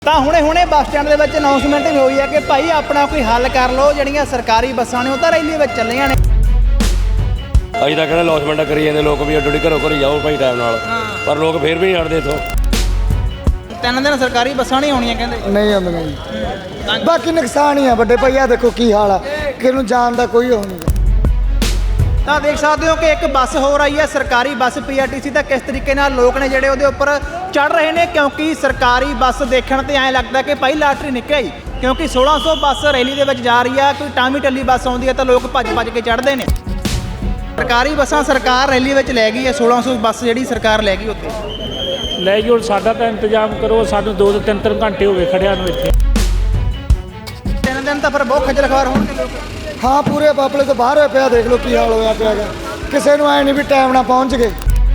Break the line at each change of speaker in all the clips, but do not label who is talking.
ਤਾਂ ਹੁਣੇ bus stand ਦੇ ਵਿੱਚ ਅਨਾਉਂਸਮੈਂਟ ਵੀ ਹੋਈ ਹੈ ਕਿ ਭਾਈ ਆਪਣਾ ਕੋਈ ਹੱਲ ਕਰ ਲਓ, ਜਿਹੜੀਆਂ ਸਰਕਾਰੀ ਬੱਸਾਂ ਨੇ ਉਹ ਤਾਂ ਰੈਲੀ ਵਿੱਚ ਚੱਲੀਆਂ ਨੇ।
ਅਸੀਂ ਤਾਂ ਕਹਿੰਦੇ ਅਨਾਉਂਸਮੈਂਟਾਂ ਕਰੀ ਜਾਂਦੇ ਲੋਕ ਵੀ ਅੱਡੀ ਘਰੋਂ ਘਰੀ ਜਾਓ ਭਾਈ ਟਾਈਮ ਨਾਲ, ਪਰ ਲੋਕ ਫੇਰ ਵੀ ਨਹੀਂ ਹਟਦੇ ਇੱਥੋਂ।
3 ਦਿਨ ਸਰਕਾਰੀ ਬੱਸਾਂ ਨਹੀਂ ਆਉਣੀਆਂ ਕਹਿੰਦੇ।
ਨਹੀਂ ਆਉਂਦੀਆਂ ਜੀ, ਬਾਕੀ ਨੁਕਸਾਨ ਹੀ ਆ ਵੱਡੇ ਭਾਈ। ਆ ਦੇਖੋ ਕੀ ਹਾਲ ਆ, ਕਿਸੇ ਨੂੰ ਜਾਣ ਦਾ ਕੋਈ ਉਹ ਨਹੀਂ।
ਤਾਂ ਦੇਖ ਸਕਦੇ ਹੋ ਕਿ ਇੱਕ ਬੱਸ ਹੋਰ ਆਈ ਹੈ, ਸਰਕਾਰੀ ਬੱਸ ਪੀਆਰਟੀਸੀ ਦਾ। ਕਿਸ ਤਰੀਕੇ ਨਾਲ ਲੋਕ ਨੇ ਜਿਹੜੇ ਉਹਦੇ ਉੱਪਰ ਚੜ ਰਹੇ ਨੇ, ਕਿਉਂਕਿ ਸਰਕਾਰੀ ਬੱਸ ਦੇਖਣ ਤੇ ਐਂ ਲੱਗਦਾ ਕਿ ਭਾਈ ਲਾਟਰੀ ਨਿਕਲ ਗਈ, ਕਿਉਂਕਿ 1600 ਬੱਸ ਰੈਲੀ ਦੇ ਵਿੱਚ ਜਾ ਰਹੀ ਆ। ਕੋਈ ਟਾਮੀ ਟੱਲੀ ਬੱਸ ਆਉਂਦੀ ਹੈ ਤਾਂ ਲੋਕ ਭੱਜ ਕੇ ਚੜ੍ਹਦੇ ਨੇ। ਸਰਕਾਰੀ ਬੱਸਾਂ ਸਰਕਾਰ ਰੈਲੀ ਵਿੱਚ ਲੈ ਗਈ ਹੈ, 1600 ਬੱਸ ਜਿਹੜੀ ਸਰਕਾਰ ਲੈ ਗਈ ਉੱਥੇ
ਲੈ ਜੀ। ਹੁਣ ਸਾਡਾ ਤਾਂ ਇੰਤਜ਼ਾਮ ਕਰੋ, ਸਾਨੂੰ 2 ਤੋਂ 3 ਘੰਟੇ ਹੋ ਗਏ ਖੜਿਆਂ ਨੂੰ ਇੱਥੇ।
3 ਦਿਨ ਤਾਂ ਫਿਰ ਬਹੁਤ ਖੱਜਲ ਖਵਾਰ ਹੋਣਗੇ ਲੋਕ।
ਹਾਂ, ਪੂਰੇ ਬਾਪਲੇ ਤੋਂ ਬਾਹਰ ਹੋਇਆ ਪਿਆ। ਦੇਖ ਲਓ ਕੀ ਹਾਲ ਹੋਇਆ ਪਿਆ ਗਾ। ਕਿਸੇ ਨੂੰ ਐ ਨਹੀਂ ਵੀ ਟਾਈਮ ਨਾਲ ਪਹੁੰਚ ਗਏ।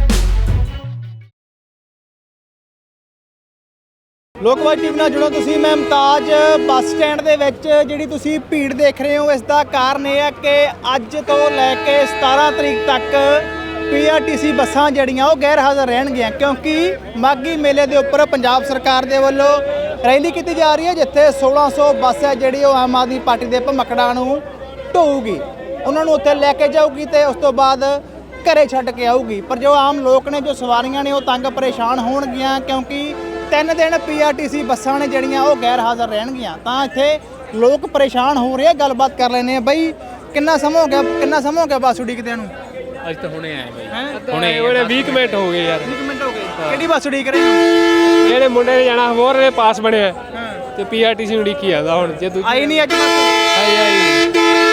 ਲੋਕਵਾਦ ਟੀਵੀ ਨਾਲ ਜੁੜੋ ਤੁਸੀਂ। ਮੈਂ ਮੁਮਤਾਜ ਬੱਸ ਸਟੈਂਡ ਦੇ ਵਿੱਚ ਜਿਹੜੀ ਤੁਸੀਂ ਭੀੜ ਦੇਖ ਰਹੇ ਹੋ, ਇਸ ਦਾ ਕਾਰਨ ਇਹ ਹੈ ਕਿ ਅੱਜ ਤੋਂ ਲੈ ਕੇ 17 ਤਰੀਕ ਤੱਕ ਪੀਆਰਟੀਸੀ ਬੱਸਾਂ ਜਿਹੜੀਆਂ ਉਹ ਗੈਰ ਹਾਜ਼ਰ ਰਹਿਣਗੀਆਂ, ਕਿਉਂਕਿ ਮਾਘੀ ਮੇਲੇ ਦੇ ਉੱਪਰ ਪੰਜਾਬ ਸਰਕਾਰ ਦੇ ਵੱਲੋਂ ਰੈਲੀ ਕੀਤੀ ਜਾ ਰਹੀ ਹੈ, ਜਿੱਥੇ 1600 ਬੱਸ ਹੈ ਜਿਹੜੀ ਉਹ ਆਮ ਆਦਮੀ ਪਾਰਟੀ ਦੇ ਭਮੱਕੜਾਂ ਨੂੰ ਢੋਊਗੀ, ਉਹਨਾਂ ਨੂੰ ਉੱਥੇ ਲੈ ਕੇ ਜਾਊਗੀ ਤੇ ਉਸ ਤੋਂ ਬਾਅਦ ਘਰੇ ਛੱਡ ਕੇ ਆਊਗੀ। ਪਰ ਜੋ ਆਮ ਲੋਕ ਨੇ, ਜੋ ਸਵਾਰੀਆਂ ਨੇ, ਉਹ ਤੰਗ ਪਰੇਸ਼ਾਨ ਹੋਣਗੀਆਂ, ਕਿਉਂਕਿ 3 ਦਿਨ ਪੀਆਰਟੀਸੀ ਬੱਸਾਂ ਨੇ ਜਿਹੜੀਆਂ ਉਹ ਗੈਰ ਹਾਜ਼ਰ ਰਹਿਣਗੀਆਂ। ਤਾਂ ਇੱਥੇ ਲੋਕ ਪਰੇਸ਼ਾਨ ਹੋ ਰਹੇ ਆ। ਗੱਲਬਾਤ ਕਰ ਲੈਂਦੇ ਆ। ਬਈ ਕਿੰਨਾ ਸਮਾਂ ਹੋ ਗਿਆ ਬੱਸ ਉਡੀਕਦਿਆਂ ਨੂੰ?
ਅੱਜ ਤਾਂ ਹੁਣੇ ਆਏ ਬਾਈ, ਹੁਣੇ 20 ਮਿੰਟ ਹੋ ਗਏ ਯਾਰ।
20 ਮਿੰਟ ਹੋ ਗਏ। ਕਿਹੜੀ ਬੱਸ ਉਡੀਕ ਰਹੇ ਹੋ?
ਜਿਹੜੇ ਮੁੰਡੇ ਨੇ ਜਾਣਾ ਹੋਰ ਨੇ ਪਾਸ ਬਣਿਆ ਤੇ ਪੀਆਰਟੀਸੀ ਉਡੀਕੀ ਆਦਾ। ਹੁਣ ਜੇ ਤੂੰ
ਆਈ ਨਹੀਂ ਅੱਜ ਬੱਸ?
ਆਈ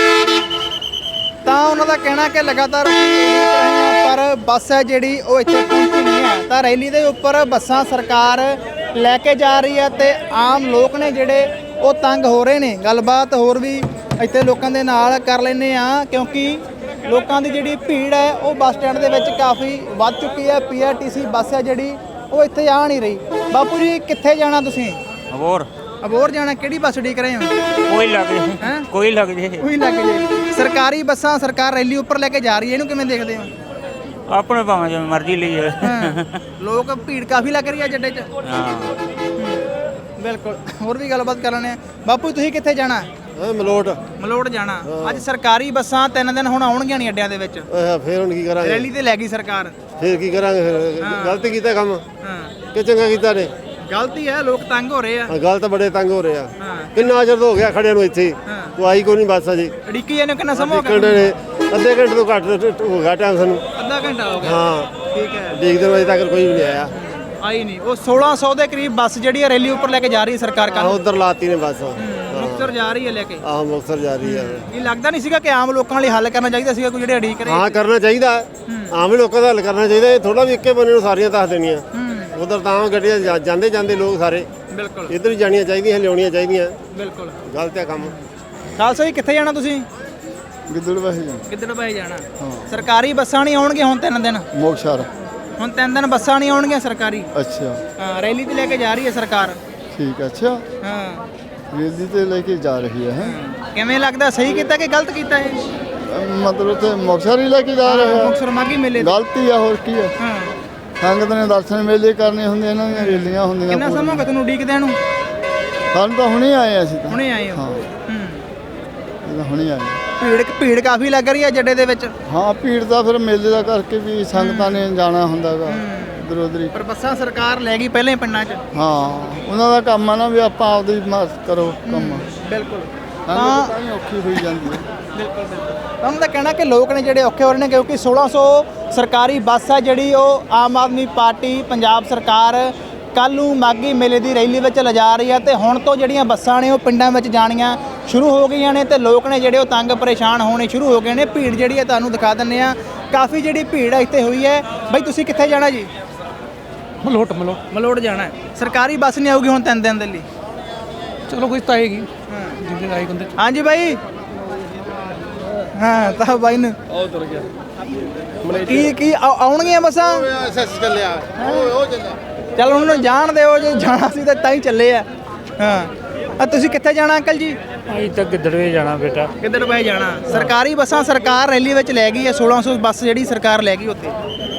ਤਾਂ ਉਹਨਾਂ ਦਾ ਕਹਿਣਾ ਕਿ ਲਗਾਤਾਰ ਅਸੀਂ ਉਡੀਕ ਰਹੇ ਹਾਂ, ਪਰ ਬੱਸ ਹੈ ਜਿਹੜੀ ਉਹ ਇੱਥੇ ਪਹੁੰਚੀ ਨਹੀਂ ਹੈ। ਤਾਂ ਰੈਲੀ ਦੇ ਉੱਪਰ ਬੱਸਾਂ ਸਰਕਾਰ ਲੈ ਕੇ ਜਾ ਰਹੀ ਹੈ ਤੇ ਆਮ ਲੋਕ ਨੇ ਜਿਹੜੇ ਉਹ ਤੰਗ ਹੋ ਰਹੇ ਨੇ। ਗੱਲਬਾਤ ਹੋਰ ਵੀ ਇੱਥੇ ਲੋਕਾਂ ਦੇ ਨਾਲ ਕਰ ਲੈਂਦੇ ਆ, ਕਿਉਂਕਿ ਲੋਕਾਂ ਦੀ ਜਿਹੜੀ ਭੀੜ ਹੈ ਉਹ ਬੱਸ ਸਟੈਂਡ ਦੇ ਵਿੱਚ ਕਾਫੀ ਵੱਧ ਚੁੱਕੀ ਹੈ। ਪੀਆਰਟੀਸੀ ਬੱਸ ਹੈ ਜਿਹੜੀ ਉਹ ਇੱਥੇ ਆ ਨਹੀਂ ਰਹੀ। ਬਾਪੂ ਜੀ ਕਿੱਥੇ ਜਾਣਾ ਤੁਸੀਂ? ਅਬੋਹਰ ਜਾਣਾ। ਕਿਹੜੀ ਬੱਸ ਉਡੀਕ ਰਹੇ ਹੋ?
ਕੋਈ ਲੱਗ ਜੇ, ਕੋਈ ਲੱਗ ਜੇ,
ਉਹੀ ਲੱਗ ਜੇ। ਸਰਕਾਰੀ ਬੱਸਾਂ ਸਰਕਾਰ ਰੈਲੀ ਉੱਪਰ ਲੈ ਕੇ ਜਾ ਰਹੀ ਹੈ, ਇਹਨੂੰ ਕਿਵੇਂ ਦੇਖਦੇ ਹੋ?
ਆਪਣੇ ਭਾਵੇਂ ਜਿਵੇਂ ਮਰਜ਼ੀ ਲਈ ਜਾਵੇ।
ਲੋਕ ਭੀੜ ਕਾਫੀ ਲੱਗ ਰਹੀ ਹੈ ਜੱਡੇ 'ਚ।
ਹਾਂ
ਬਿਲਕੁਲ। ਹੋਰ ਵੀ ਗੱਲਬਾਤ ਕਰ ਲੈਣੇ ਆ। ਬਾਪੂ ਤੁਸੀਂ ਕਿੱਥੇ ਜਾਣਾ? ਮਲੋਟ ਜਾਣਾ। ਅੱਜ ਸਰਕਾਰੀ ਬੱਸਾਂ 3 ਦਿਨ ਹੁਣ ਆਉਣਗੀਆਂ ਨਹੀਂ ਅੱਡਿਆਂ ਦੇ ਵਿੱਚ।
ਫੇਰ ਹੁਣ ਕੀ ਕਰਾਂਗੇ?
ਰੈਲੀ ਤੇ ਲੈ ਗਈ ਸਰਕਾਰ।
ਫੇਰ ਕੀ ਕਰਾਂਗੇ? ਫਿਰ ਗਲਤੀ ਕੀਤਾ ਕੰਮ ਕਿ ਚੰਗਾ ਕੀਤਾ ਨੇ?
ਗਲਤੀ ਹੈ, ਲੋਕ ਤੰਗ ਹੋ ਰਹੇ ਆ।
ਗੱਲ ਤਾਂ ਬੜੇ ਤੰਗ ਹੋ ਰਹੇ ਆ। ਕਿੰਨਾ ਚਿਰ ਹੋ ਗਿਆ ਖੜਿਆਂ ਨੂੰ ਇੱਥੇ, ਤੂੰ ਆਈ ਕੋਈ ਨਹੀਂ ਬੱਸ ਅਜੇ।
ਅੜਿੱਕੀ ਇਹਨੂੰ ਕਿੰਨਾ ਸਮਾਂ ਹੋ ਗਿਆ?
ਅੱਧੇ ਘੰਟੇ ਤੋਂ ਘੱਟ ਹੋ ਗਿਆ ਟਾਈਮ ਸਾਨੂੰ।
ਅੱਧਾ ਘੰਟਾ ਹੋ ਗਿਆ।
ਹਾਂ
ਠੀਕ ਹੈ।
ਦੇਖਦੇ ਵਜੇ ਤੱਕ ਕੋਈ ਵੀ ਨਹੀਂ ਆਇਆ।
ਆਈ ਨਹੀਂ। ਉਹ 1600 ਦੇ ਕਰੀਬ ਬੱਸ ਜਿਹੜੀ ਹੈ ਰੈਲੀ ਉੱਪਰ ਲੈ ਕੇ ਜਾ ਰਹੀ ਹੈ ਸਰਕਾਰ। ਕੱਲ
ਉਧਰ ਲਾਤੀ ਨੇ ਬੱਸ।
ਮੁਕਤਸਰ ਜਾ ਰਹੀ ਹੈ ਲੈ ਕੇ।
ਆਹ ਮੁਕਤਸਰ ਜਾ ਰਹੀ ਹੈ।
ਇਹ ਲੱਗਦਾ ਨਹੀਂ ਸੀਗਾ ਕਿ ਆਮ ਲੋਕਾਂ ਲਈ ਹੱਲ ਕਰਨਾ ਚਾਹੀਦਾ ਸੀਗਾ, ਕੋਈ ਜਿਹੜੇ ਅੜੀਕ ਰਹੇ?
ਹਾਂ, ਕਰਨਾ ਚਾਹੀਦਾ। ਆਮ ਹੀ ਲੋਕਾਂ ਦਾ ਹੱਲ ਕਰਨਾ ਚਾਹੀਦਾ। ਥੋੜਾ ਵੀ ਇੱਕੇ ਬੰਨੇ ਨੂੰ ਸਾਰੀਆਂ ਦੱਸ ਦੇਣੀਆਂ। ਉਧਰ ਤਾਂ ਗੱਡੀਆਂ ਜਾਂਦੇ ਲੋਕ ਸਾਰੇ।
ਬਿਲਕੁਲ।
ਇੱਧਰ ਹੀ ਜਾਣੀਆਂ ਚਾਹੀਦੀਆਂ, ਲਿਆਉਣੀਆਂ ਚਾਹੀਦੀਆਂ।
ਬਿਲਕੁਲ।
ਗਲਤ ਹੈ ਕੰਮ।
ਖਾਲਸਾ ਜੀ ਕਿੱਥੇ ਜਾਣਾ ਤੁਸੀਂ? ਗਿੱਦੜਬਾਹੀ ਜਾਣਾ। ਸਰਕਾਰੀ ਬੱਸਾਂ ਨਹੀਂ ਆਉਣਗੀਆਂ ਹੁਣ 3 ਦਿਨ।
ਮੋਕਸ਼ਾਰ
ਹੁਣ 3 ਦਿਨ ਬੱਸਾਂ ਨਹੀਂ ਆਉਣਗੀਆਂ ਸਰਕਾਰੀ।
ਅੱਛਾ,
ਹਾਂ, ਰੈਲੀ ਤੇ ਲੈ ਕੇ ਜਾ ਰਹੀ ਹੈ ਸਰਕਾਰ।
ਠੀਕ ਹੈ। ਅੱਛਾ,
ਹਾਂ,
ਰੈਲੀ ਤੇ ਲੈ ਕੇ ਜਾ ਰਹੀ ਹੈ।
ਕਿਵੇਂ ਲੱਗਦਾ, ਸਹੀ ਕੀਤਾ ਕਿ ਗਲਤ ਕੀਤਾ ਇਹ?
ਮਤਲਬ ਤੇ ਮੋਕਸ਼ਾਰ ਹੀ ਲੈ ਕੇ ਜਾ ਰਹੇ ਹੈ।
ਮੁਕਤਸਰ ਮਾਘੀ ਮੇਲੇ ਤੇ।
ਗਲਤੀ ਆ, ਹੋਰ ਕੀ ਹੈ।
ਹਾਂ।
ਸੰਗਤ ਨੇ ਦਰਸ਼ਨ ਮੇਲੇ ਕਰਨੇ ਹੁੰਦੇ, ਇਹਨਾਂ ਦੀਆਂ ਰੈਲੀਆਂ ਹੁੰਦੀਆਂ।
ਕਿੰਨਾ ਸਮਾਂ ਹੋ ਗਿਆ ਤੁਹਾਨੂੰ ਉਡੀਕਦਿਆਂ ਨੂੰ?
ਸਾਨੂੰ ਤਾਂ ਹੁਣੇ ਆਏ ਅਸੀਂ ਤਾਂ।
ਹੁਣੇ ਆਏ ਹੋ?
ਹਾਂ, ਇਹ ਤਾਂ ਹੁਣੇ ਆਏ।
ਭੀੜ ਕਾਫੀ ਲੱਗ ਰਹੀ ਹੈ ਜੱਡੇ ਦੇ ਵਿੱਚ।
ਹਾਂ, ਭੀੜ ਦਾ ਫਿਰ ਮੇਲੇ ਦਾ ਕਰਕੇ ਵੀ ਸੰਗਤਾਂ ਨੇ ਜਾਣਾ ਹੁੰਦਾਗਾ ਇੱਧਰ ਉੱਧਰ ਹੀ।
ਪਰ ਬੱਸਾਂ ਸਰਕਾਰ ਲੈ ਗਈ ਪਹਿਲਾਂ ਹੀ ਪਿੰਡਾਂ 'ਚ।
ਹਾਂ, ਉਹਨਾਂ ਦਾ ਕੰਮ ਆ ਨਾ ਵੀ ਆਪਾਂ ਆਪਦੀ ਮਦਦ ਕਰੋ ਕੰਮ।
ਬਿਲਕੁਲ।
ਸੰਗਤ ਤਾਂ ਹੀ ਔਖੀ ਹੋਈ ਜਾਂਦੀ ਹੈ।
ਬਿਲਕੁਲ। ਤੁਹਾਨੂੰ ਤਾਂ ਕਹਿਣਾ ਕਿ ਲੋਕ ਨੇ ਜਿਹੜੇ ਔਖੇ ਹੋ ਰਹੇ ਨੇ, ਕਿਉਂਕਿ 1600 ਸਰਕਾਰੀ ਬੱਸ ਹੈ ਜਿਹੜੀ ਉਹ ਆਮ ਆਦਮੀ ਪਾਰਟੀ ਪੰਜਾਬ ਸਰਕਾਰ ਕੱਲ੍ਹ ਨੂੰ ਮਾਘੀ ਮੇਲੇ ਦੀ ਰੈਲੀ ਵਿੱਚ ਲਿਜਾ ਰਹੀ ਹੈ ਤੇ ਹੁਣ ਤੋਂ ਜਿਹੜੀਆਂ ਬੱਸਾਂ ਨੇ ਉਹ ਪਿੰਡਾਂ ਵਿੱਚ ਜਾਣੀਆਂ ਸ਼ੁਰੂ ਹੋ ਗਈਆਂ ਨੇ ਤੇ ਲੋਕ ਨੇ ਜਿਹੜੇ ਉਹ ਤੰਗ ਪਰੇਸ਼ਾਨ ਹੋਣੇ ਸ਼ੁਰੂ ਹੋ ਗਏ ਨੇ। ਭੀੜ ਜਿਹੜੀ ਹੈ ਤੁਹਾਨੂੰ ਦਿਖਾ ਦਿੰਦੇ ਆ, ਕਾਫੀ ਜਿਹੜੀ ਭੀੜ ਇੱਥੇ ਹੋਈ ਹੈ। ਬਾਈ ਤੁਸੀਂ ਕਿੱਥੇ ਜਾਣਾ ਜੀ? ਮਲੋਟ ਜਾਣਾ ਹੈ। ਸਰਕਾਰੀ ਬੱਸ ਨਹੀਂ ਆਊਗੀ ਹੁਣ 3 ਦਿਨ ਦੇ ਲਈ?
ਚਲੋ ਕੁਝ ਤਾਂ ਆਏਗੀ ਜਿੰਨੇ ਆਏ ਬੰਦੇ।
ਹਾਂਜੀ ਬਾਈ। ਹਾਂ, ਤਾਂ ਬਾਈ ਨੂੰ ਕੀ ਆਉਣਗੀਆਂ ਬੱਸਾਂ?
ਚੱਲਿਆ
ਚੱਲ ਉਹਨਾਂ ਨੂੰ ਜਾਣ ਦਿਓ, ਜੇ ਜਾਣਾ ਸੀ ਤਾਂ ਹੀ ਚੱਲੇ ਆ। ਹਾਂ, ਤੁਸੀਂ ਕਿੱਥੇ ਜਾਣਾ ਅੰਕਲ ਜੀ?
ਅਸੀਂ ਤਾਂ ਗਿੱਦੜਵੇ ਜਾਣਾ ਬੇਟਾ।
ਗਿੱਦੜਬਾਹੀ ਜਾਣਾ। ਸਰਕਾਰੀ ਬੱਸਾਂ ਸਰਕਾਰ ਰੈਲੀ ਵਿੱਚ ਲੈ ਗਈ ਹੈ। 1600 ਬੱਸ ਜਿਹੜੀ ਸਰਕਾਰ ਲੈ ਗਈ ਉੱਥੇ।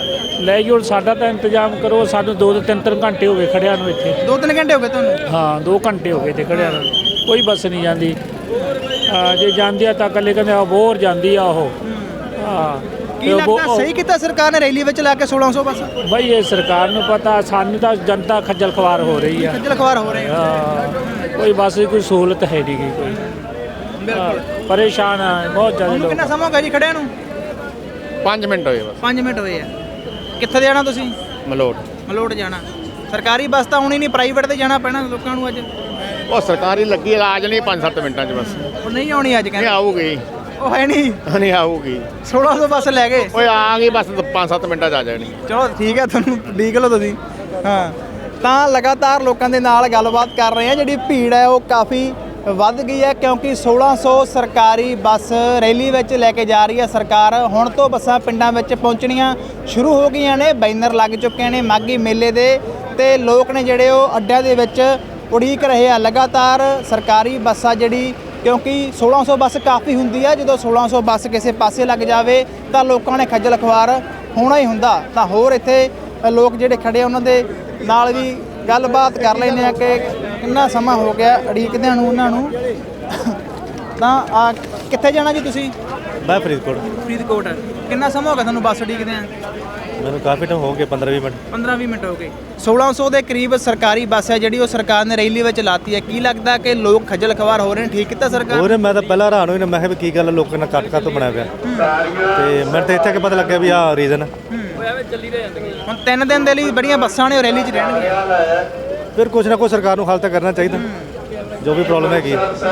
ਲੈ ਜੀ ਹੁਣ ਸਾਡਾ ਤਾਂ ਇੰਤਜ਼ਾਮ ਕਰੋ, ਸਾਨੂੰ 2-3 ਘੰਟੇ ਹੋ ਗਏ ਖੜਿਆਂ ਨੂੰ ਇੱਥੇ।
2-3 ਘੰਟੇ ਹੋ ਗਏ ਤੁਹਾਨੂੰ?
ਹਾਂ 2 ਘੰਟੇ ਹੋ ਗਏ ਤੇ ਖੜਿਆਂ ਨੂੰ, ਕੋਈ ਬੱਸ ਨਹੀਂ ਜਾਂਦੀ। ਜੇ ਜਾਂਦੀ ਆ ਤਾਂ ਇਕੱਲੇ ਕਹਿੰਦੇ ਆ ਬੋਰ ਜਾਂਦੀ ਆ ਉਹ। ਹਾਂ
ਕੀ ਲੱਗਦਾ ਸਹੀ ਕੀਤਾ ਸਰਕਾਰ ਨੇ ਰੈਲੀ ਵਿੱਚ ਲਾ ਕੇ 1600 ਬੱਸ?
ਬਈ ਇਹ ਸਰਕਾਰ ਨੂੰ ਪਤਾ, ਸਾਨੂੰ ਤਾਂ ਜਨਤਾ ਖੱਜਲ ਖਵਾਰ ਹੋ ਰਹੀ ਆ।
ਖੱਜਲ ਖਵਾਰ ਹੋ ਰਹੇ ਆ।
ਹਾਂ ਕੋਈ ਬੱਸ ਦੀ ਕੋਈ ਸਹੂਲਤ ਹੈ ਨਹੀਂ ਗੀ ਕੋਈ।
ਬਿਲਕੁਲ
ਪਰੇਸ਼ਾਨ ਆ ਬਹੁਤ ਜ਼ਿਆਦਾ
ਤੁਹਾਨੂੰ
ਲੋਕ।
ਕਿੰਨਾ ਸਮਾਂ ਹੋ ਗਿਆ ਜੀ ਖੜਿਆਂ ਨੂੰ?
5 ਮਿੰਟ ਹੋਏ ਬਸ।
5 ਮਿੰਟ ਹੋਏ ਆ। ਕਿੱਥੇ ਜਾਣਾ ਤੁਸੀਂ? ਮਲੋਟ ਜਾਣਾ। ਸਰਕਾਰੀ ਬੱਸ ਤਾਂ ਆਉਣੀ ਨਹੀਂ, ਪ੍ਰਾਈਵੇਟ ਤੇ ਜਾਣਾ ਪੈਣਾ ਲੋਕਾਂ ਨੂੰ ਅੱਜ।
ਉਹ ਸਰਕਾਰੀ ਲੱਗੀ ਇਲਾਜ ਨਹੀਂ 5-7 ਮਿੰਟਾਂ 'ਚ ਬਸ।
ਉਹ ਨਹੀਂ ਆਉਣੀ ਅੱਜ
ਨਹੀਂ
ਕਹਿੰਦੇ।
ਆਊਗੀ,
ਉਹ ਹੈ ਨਹੀਂ।
ਨਹੀਂ ਆਊਗੀ।
1600 ਬੱਸ ਲੈ ਗਏ।
ਓਏ ਆ ਗਈ ਬਸ 5-7 ਮਿੰਟਾਂ 'ਚ ਆ ਜਾਣੀ।
ਚਲੋ ਠੀਕ ਹੈ, ਤੁਹਾਨੂੰ ਉਡੀਕ ਲਓ ਤੁਸੀਂ। ਹਾਂ ਤਾਂ ਲਗਾਤਾਰ ਲੋਕਾਂ ਦੇ ਨਾਲ ਗੱਲਬਾਤ ਕਰ ਰਹੇ ਆ। ਜਿਹੜੀ ਭੀੜ ਹੈ ਉਹ ਕਾਫੀ ਵੱਧ ਗਈ ਹੈ ਕਿਉਂਕਿ 1600 ਸਰਕਾਰੀ ਬੱਸ ਰੈਲੀ ਵਿੱਚ ਲੈ ਕੇ ਜਾ ਰਹੀ ਹੈ ਸਰਕਾਰ। ਹੁਣ ਤੋਂ ਬੱਸਾਂ ਪਿੰਡਾਂ ਵਿੱਚ ਪਹੁੰਚਣੀਆਂ ਸ਼ੁਰੂ ਹੋ ਗਈਆਂ ਨੇ, ਬੈਨਰ ਲੱਗ ਚੁੱਕੇ ਨੇ ਮਾਘੀ ਮੇਲੇ ਦੇ, ਤੇ ਲੋਕ ਨੇ ਜਿਹੜੇ ਉਹ ਅੱਡਿਆਂ ਦੇ ਵਿੱਚ ਉਡੀਕ ਰਹੇ ਆ। ਲਗਾਤਾਰ ਸਰਕਾਰੀ ਬੱਸਾਂ ਜਿਹੜੀ, ਕਿਉਂਕਿ 1600 ਬੱਸ ਕਾਫੀ ਹੁੰਦੀ ਹੈ, ਜਦੋਂ 1600 ਬੱਸ ਕਿਸੇ ਪਾਸੇ ਲੱਗ ਜਾਵੇ ਤਾਂ ਲੋਕਾਂ ਨੇ ਖੱਜਲ ਖਵਾਰ ਹੋਣਾ ਹੀ ਹੁੰਦਾ। ਤਾਂ ਹੋਰ ਇੱਥੇ ਲੋਕ ਜਿਹੜੇ ਖੜੇ ਆ ਉਹਨਾਂ ਦੇ ਨਾਲ ਵੀ ਗੱਲਬਾਤ ਕਰ ਲੈਂਦੇ ਆ ਕਿ ਕਿੰਨਾ ਸਮਾਂ ਹੋ ਗਿਆ ਉਡੀਕਦਿਆਂ ਨੂੰ ਉਹਨਾਂ ਨੂੰ। ਤਾਂ ਕਿੱਥੇ ਜਾਣਾ ਜੀ ਤੁਸੀਂ?
ਮੈਂ ਫਰੀਦਕੋਟ।
ਫਰੀਦਕੋਟ। ਕਿੰਨਾ ਸਮਾਂ ਹੋ ਗਿਆ ਤੁਹਾਨੂੰ ਬੱਸ ਉਡੀਕਦਿਆਂ?
ਮੈਨੂੰ ਕਾਫੀ ਟਾਈਮ ਹੋ ਗਿਆ, 15-20 ਮਿੰਟ।
15-20 ਮਿੰਟ ਹੋ ਗਏ। 1600 ਦੇ ਕਰੀਬ ਸਰਕਾਰੀ ਬੱਸ ਹੈ ਜਿਹੜੀ ਉਹ ਸਰਕਾਰ ਨੇ ਰੈਲੀ ਵਿੱਚ ਲਾਤੀ ਹੈ। ਕੀ ਲੱਗਦਾ ਕਿ ਲੋਕ ਖੱਜਲ ਖਵਾਰ ਹੋ ਰਹੇ ਨੇ? ਠੀਕ ਕੀਤਾ ਸਰਕਾਰ?
ਹੋਰ ਮੈਂ ਤਾਂ ਪਹਿਲਾਂ ਹੈਰਾਨ ਹੋਈ ਨਾ, ਮੈਂ ਕਿਹਾ ਵੀ ਕੀ ਗੱਲ ਲੋਕਾਂ ਨੇ ਕੱਟ ਤੋਂ ਬਣਾਇਆ ਪਿਆ, ਤੇ ਮੈਨੂੰ ਤਾਂ ਇੱਥੇ ਕਿ ਪਤਾ ਲੱਗਿਆ ਵੀ ਆਹ ਰੀਜ਼ਨ।
ਹੁਣ 3 ਦਿਨ ਦੇ ਲਈ ਬੜੀਆਂ ਬੱਸਾਂ ਨੇ ਉਹ ਰੈਲੀ 'ਚ ਰਹਿਣਗੀਆਂ।
ਫਿਰ ਕੁਛ ਨਾ ਕੁਛ ਸਰਕਾਰ ਨੂੰ ਹੱਲ ਤਾਂ ਕਰਨਾ ਚਾਹੀਦਾ ਜੋ ਵੀ ਪ੍ਰੋਬਲਮ ਹੈਗੀ।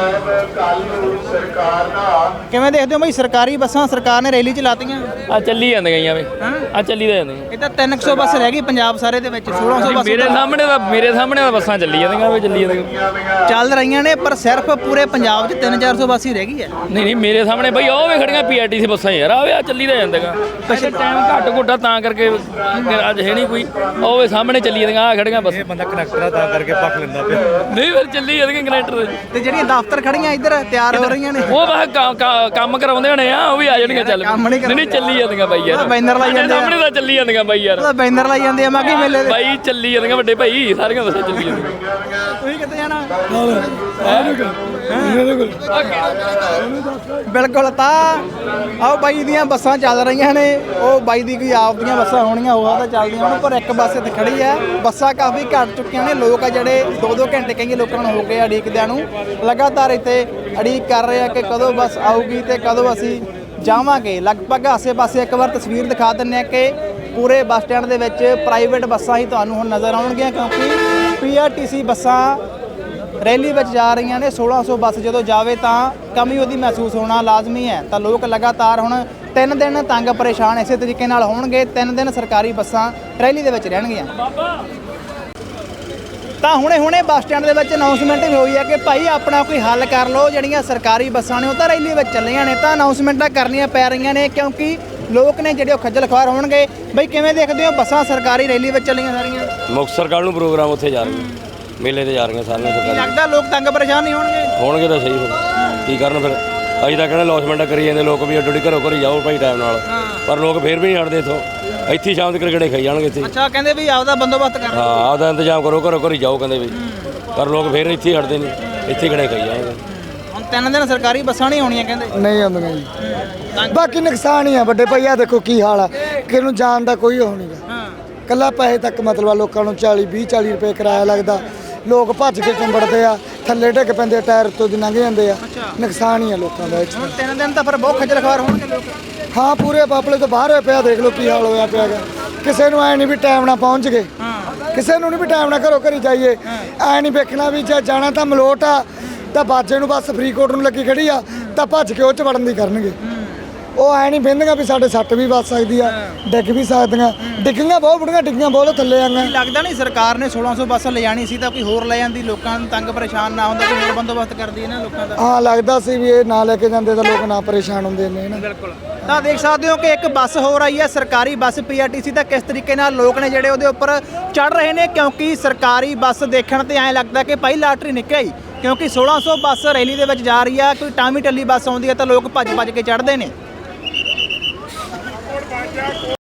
ਕਿਵੇਂ ਦੇਖਦੇ ਹੋ ਬਈ ਸਰਕਾਰੀ ਬੱਸਾਂ ਸਰਕਾਰ ਨੇ ਰੈਲੀ 'ਚ ਲਾਤੀਆਂ?
ਆ ਚੱਲੀ ਜਾਂਦੀਆਂ ਗਈਆਂ ਵੇ, ਆ ਚੱਲੀ ਤਾਂ ਜਾਂਦੀਆਂ।
ਇਹ ਤਾਂ 300 ਬੱਸ ਰਹਿ ਗਈ ਪੰਜਾਬ ਸਾਰੇ ਦੇ ਵਿੱਚ। 1600 ਬੱਸ
ਮੇਰੇ ਸਾਹਮਣੇ ਤਾਂ ਬੱਸਾਂ ਚੱਲੀ ਜਾਂਦੀਆਂ ਵੇ, ਚੱਲੀ ਜਾਂਦੀਆਂ
ਚੱਲ ਰਹੀਆਂ ਨੇ, ਪਰ ਸਿਰਫ ਪੂਰੇ ਪੰਜਾਬ 'ਚ 300-400 ਬੱਸ ਹੀ ਰਹਿ ਗਈ ਹੈ।
ਨਹੀਂ ਮੇਰੇ ਸਾਹਮਣੇ ਬਈ ਉਹ ਵੇ ਖੜੀਆਂ PRTC ਬੱਸਾਂ ਯਾਰ, ਆ ਵੇ ਆ ਚੱਲੀ ਤਾਂ ਜਾਂਦੀਆਂ। ਅੱਛਾ ਟਾਈਮ ਘੱਟ ਘੁੱਟਾ ਤਾਂ ਕਰਕੇ ਅੱਜ ਹੈ ਨਹੀਂ ਕੋਈ। ਉਹ ਵੇ ਸਾਹਮਣੇ ਚੱਲੀ ਜਾਂਦੀਆਂ ਆ ਖੜੀਆਂ ਬੱਸ।
ਇਹ ਬੰਦਾ ਕਨੈਕਟਰ ਤਾਂ ਕਰਕੇ ਪੱਕ ਲੈਂਦਾ ਪਿਆ।
ਨਹੀਂ ਫਿਰ ਚੱਲੀ ਜਾਂਦੀਆਂ ਕਨੈਕਟਰ
ਤੇ ਜਿਹੜੀਆਂ ਦਫ਼ਤਰ ਖੜੀਆਂ ਇੱਧਰ ਤਿਆਰ ਹੋ ਰਹੀਆਂ ਨੇ,
ਉਹ ਬਸ ਕੰਮ ਕਰਾਉਂਦੇ ਹੋਣੇ ਆ, ਉਹ ਵੀ ਆ ਜਾਣਗੇ। ਚੱਲ ਨਹੀਂ ਚੱਲੀ ਜਾਂਦੀਆਂ ਬਾਈ ਯਾਰ,
ਬੈਨਰ ਲਾਈ ਜਾਂਦੇ ਆ।
ਸਾਹਮਣੇ ਤਾਂ ਚੱਲੀ ਜਾਂਦੀਆਂ ਬਾਈ ਯਾਰ,
ਉਹਦਾ ਬੈਨਰ ਲਾਈ ਜਾਂਦੇ ਆ ਮਾਘੀ ਮੇਲੇ ਦੇ।
ਬਾਈ ਚੱਲੀ ਜਾਂਦੀਆਂ ਵੱਡੇ ਭਾਈ, ਸਾਰੀਆਂ ਬੱਸਾਂ ਚੱਲੀ ਜਾਂਦੀਆਂ।
ਤੁਸੀਂ ਕਿੱਥੇ ਜਾਣਾ? ਬਿਲਕੁਲ। ਤਾਂ ਆਓ ਬਾਈ ਦੀਆਂ ਬੱਸਾਂ ਚੱਲ ਰਹੀਆਂ ਨੇ, ਉਹ ਬਾਈ ਦੀ ਕੋਈ ਆਪ ਦੀਆਂ ਬੱਸਾਂ ਹੋਣੀਆਂ ਉਹ ਤਾਂ ਚੱਲਦੀਆਂ ਹੋਣ, ਪਰ ਇੱਕ ਬੱਸ ਇੱਥੇ ਖੜੀ ਹੈ। ਬੱਸਾਂ ਕਾਫੀ ਘੱਟ ਚੁੱਕੀਆਂ ਨੇ। ਲੋਕ ਆ ਜਿਹੜੇ 2-2 ਘੰਟੇ ਕਈ ਲੋਕਾਂ ਨੂੰ ਹੋ ਗਏ ਉਡੀਕਦਿਆਂ ਨੂੰ, ਲਗਾਤਾਰ ਇੱਥੇ ਉਡੀਕ ਕਰ ਰਹੇ ਆ ਕਿ ਕਦੋਂ ਬੱਸ ਆਊਗੀ ਤੇ ਕਦੋਂ ਅਸੀਂ ਜਾਵਾਂਗੇ। ਲਗਭਗ ਆਸੇ-ਪਾਸੇ ਇੱਕ ਵਾਰ ਤਸਵੀਰ ਦਿਖਾ ਦਿੰਦੇ ਆ ਕਿ ਪੂਰੇ ਬੱਸ ਸਟੈਂਡ ਦੇ ਵਿੱਚ ਪ੍ਰਾਈਵੇਟ ਬੱਸਾਂ ਹੀ ਤੁਹਾਨੂੰ ਹੁਣ ਨਜ਼ਰ ਆਉਣਗੀਆਂ, ਕਿਉਂਕਿ PRTC ਬੱਸਾਂ ਰੈਲੀ ਵਿੱਚ ਜਾ ਰਹੀਆਂ ਨੇ। 1600 ਬੱਸ ਜਦੋਂ ਜਾਵੇ ਤਾਂ ਕਮੀ ਉਹਦੀ ਮਹਿਸੂਸ ਹੋਣਾ ਲਾਜ਼ਮੀ ਹੈ। ਤਾਂ ਲੋਕ ਲਗਾਤਾਰ ਹੁਣ 3 ਦਿਨ ਤੰਗ ਪਰੇਸ਼ਾਨ ਇਸੇ ਤਰੀਕੇ ਨਾਲ ਹੋਣਗੇ। 3 ਦਿਨ ਸਰਕਾਰੀ ਬੱਸਾਂ ਰੈਲੀ ਦੇ ਵਿੱਚ ਰਹਿਣਗੀਆਂ। ਤਾਂ ਹੁਣੇ ਬੱਸ ਸਟੈਂਡ ਦੇ ਵਿੱਚ ਅਨਾਉਂਸਮੈਂਟ ਵੀ ਹੋਈ ਹੈ ਕਿ ਭਾਈ ਆਪਣਾ ਕੋਈ ਹੱਲ ਕਰ ਲਓ। ਜਿਹੜੀਆਂ ਸਰਕਾਰੀ ਬੱਸਾਂ ਨੇ ਉਹ ਤਾਂ ਰੈਲੀ ਵਿੱਚ ਚੱਲੀਆਂ ਨੇ, ਤਾਂ ਅਨਾਉਂਸਮੈਂਟਾਂ ਕਰਨੀਆਂ ਪੈ ਰਹੀਆਂ ਨੇ ਕਿਉਂਕਿ ਲੋਕ ਨੇ ਜਿਹੜੇ ਉਹ ਖੱਜਲ ਖੁਆਰ ਹੋਣਗੇ। ਬਈ ਕਿਵੇਂ ਦੇਖਦੇ ਹੋ ਬੱਸਾਂ ਸਰਕਾਰੀ ਰੈਲੀ ਵਿੱਚ ਚੱਲੀਆਂ ਸਾਰੀਆਂ?
ਮੁਕਤਸਰ ਕੱਲ੍ਹ ਨੂੰ ਪ੍ਰੋਗਰਾਮ ਉੱਥੇ ਜਾ ਰਹੇ ਮੇਲੇ ਤੇ ਜਾ ਰਹੀਆਂ ਸਾਰੀਆਂ
ਕੀ
ਸਰਕਾਰੀ।
ਲੱਗਦਾ ਲੋਕ ਤੰਗ ਪਰੇਸ਼ਾਨ ਨਹੀਂ
ਹੋਣਗੇ ਤਾਂ ਸਹੀ ਫਿਰ ਕੀ ਕਰਨ। ਫਿਰ ਅਸੀਂ ਤਾਂ ਕਹਿੰਦੇ ਲੌਸਮੈਂਟਾਂ ਕਰੀ ਜਾਂਦੇ ਲੋਕ ਵੀ ਅੱਡੋ ਘਰੋਂ ਘਰੀ ਜਾਓ ਭਾਈ ਟਾਈਮ ਨਾਲ, ਪਰ ਲੋਕ ਫਿਰ ਵੀ ਨਹੀਂ ਹਟਦੇ ਇੱਥੋਂ। ਇੱਥੇ ਹੀ ਸ਼ਾਮ ਤੱਕ ਗੇੜੇ ਖਾਈ ਜਾਣਗੇ ਇੱਥੇ।
ਅੱਛਾ ਕਹਿੰਦੇ ਵੀ ਆਪਦਾ ਬੰਦੋਬਸਤ ਕਰ।
ਹਾਂ ਆਪਦਾ ਇੰਤਜ਼ਾਮ ਕਰੋ, ਘਰੋਂ ਘਰੀ ਜਾਓ ਕਹਿੰਦੇ ਵੀ, ਪਰ ਲੋਕ ਫਿਰ ਇੱਥੇ ਹੀ ਹਟਦੇ ਨਹੀਂ, ਇੱਥੇ ਗੇੜੇ ਖਾਈ ਜਾਣਗੇ।
ਹੁਣ 3 ਦਿਨ ਸਰਕਾਰੀ ਬੱਸਾਂ ਨਹੀਂ ਆਉਣੀਆਂ ਕਹਿੰਦੇ।
ਨਹੀਂ ਆਉਂਦੀਆਂ ਜੀ। ਬਾਕੀ ਨੁਕਸਾਨ ਹੀ ਆ ਵੱਡੇ ਭਾਈ। ਆ ਦੇਖੋ ਕੀ ਹਾਲ ਆ, ਕਿਸੇ ਨੂੰ ਜਾਣ ਦਾ ਕੋਈ ਉਹ ਨਹੀਂਗਾ। ਕੱਲਾ ਪੈਸੇ ਤੱਕ ਮਤਲਬ ਆ, ਲੋਕਾਂ ਨੂੰ 40-20-40 ਰੁਪਏ ਕਿਰਾਇਆ ਲੱਗਦਾ। ਲੋਕ ਭੱਜ ਕੇ ਚੰਬੜਦੇ ਆ, ਥੱਲੇ ਡਿੱਗ ਪੈਂਦੇ ਆ, ਟਾਇਰ ਤੋਂ ਦੀ ਲੰਘ ਜਾਂਦੇ ਆ। ਨੁਕਸਾਨ ਹੀ ਆ ਲੋਕਾਂ ਦਾ।
ਹੁਣ 3 ਦਿਨ ਤਾਂ ਫਿਰ ਬਹੁਤ ਖੱਜਲ ਖਵਾਰ ਹੋਣਗੇ ਲੋਕ।
ਹਾਂ ਪੂਰੇ ਬਾਪਲੇ ਤੋਂ ਬਾਹਰ ਹੋਏ ਪਿਆ। ਦੇਖ ਲਓ ਕੀ ਹਾਲ ਹੋਇਆ ਪਿਆ ਗਾ। ਕਿਸੇ ਨੂੰ ਐ ਨਹੀਂ ਵੀ ਟਾਈਮ ਨਾਲ ਪਹੁੰਚ ਗਏ, ਕਿਸੇ ਨੂੰ ਨਹੀਂ ਵੀ ਟਾਈਮ ਨਾਲ ਘਰੋਂ ਘਰੀ ਜਾਈਏ। ਐ ਨਹੀਂ ਵੇਖਣਾ ਵੀ ਜੇ ਜਾਣਾ ਤਾਂ ਮਲੋਟ ਆ ਤਾਂ ਬਾਜੇ ਨੂੰ ਬੱਸ ਫਰੀਦਕੋਟ ਨੂੰ ਲੱਗੀ ਖੜੀ ਆ ਤਾਂ ਭੱਜ ਕੇ ਉਹ 'ਚ ਵੜਨ ਦੀ ਕਰਨਗੇ। ਉਹ ਐ ਨਹੀਂ ਬਹਿੰਦੀਆਂ ਵੀ ਸਾਡੇ ਸੱਟ ਵੀ ਵੱਜ ਸਕਦੀ ਆ, ਡਿੱਗ ਵੀ ਸਕਦੀਆਂ। ਡਿੱਗੀਆਂ ਬਹੁਤ ਬੁੜੀਆਂ ਡਿੱਗੀਆਂ ਬਹੁਤ ਥੱਲੇ ਆਈਆਂ।
ਲੱਗਦਾ ਨਹੀਂ ਸਰਕਾਰ ਨੇ 1600 ਬੱਸ ਲਿਜਾਣੀ ਸੀ ਤਾਂ ਕੋਈ ਹੋਰ ਲੈ ਜਾਂਦੀ, ਲੋਕਾਂ ਨੂੰ ਤੰਗ ਪਰੇਸ਼ਾਨ ਨਾ ਹੁੰਦਾ, ਕੋਈ ਹੋਰ ਬੰਦੋਬਸਤ ਕਰਦੀ ਹੈ ਨਾ ਲੋਕਾਂ ਦਾ।
ਹਾਂ ਲੱਗਦਾ ਸੀ ਵੀ ਇਹ ਨਾ ਲੈ ਕੇ ਜਾਂਦੇ ਤਾਂ ਲੋਕ ਨਾ ਪਰੇਸ਼ਾਨ ਹੁੰਦੇ ਨੇ ਨਾ।
ਬਿਲਕੁਲ। ਤਾਂ ਦੇਖ ਸਕਦੇ ਹੋ ਕਿ ਇੱਕ ਬੱਸ ਹੋਰ ਆਈ ਹੈ ਸਰਕਾਰੀ ਬੱਸ PRTC ਦਾ, ਕਿਸ ਤਰੀਕੇ ਨਾਲ ਲੋਕ ਨੇ ਜਿਹੜੇ ਉਹਦੇ ਉੱਪਰ ਚੜ ਰਹੇ ਨੇ, ਕਿਉਂਕਿ ਸਰਕਾਰੀ ਬੱਸ ਦੇਖਣ ਤੇ ਐਂ ਲੱਗਦਾ ਕਿ ਭਾਈ ਲਾਟਰੀ ਨਿਕਲੀ, ਕਿਉਂਕਿ 1600 ਬੱਸ ਰੈਲੀ ਦੇ ਵਿੱਚ ਜਾ ਰਹੀ ਆ। ਕੋਈ ਟਾਮੀ ਟੱਲੀ ਬੱਸ ਆਉਂਦੀ ਹੈ ਤਾਂ ਲੋਕ ਭੱਜ ਕੇ ਚੜ੍ਹਦੇ ਨੇ।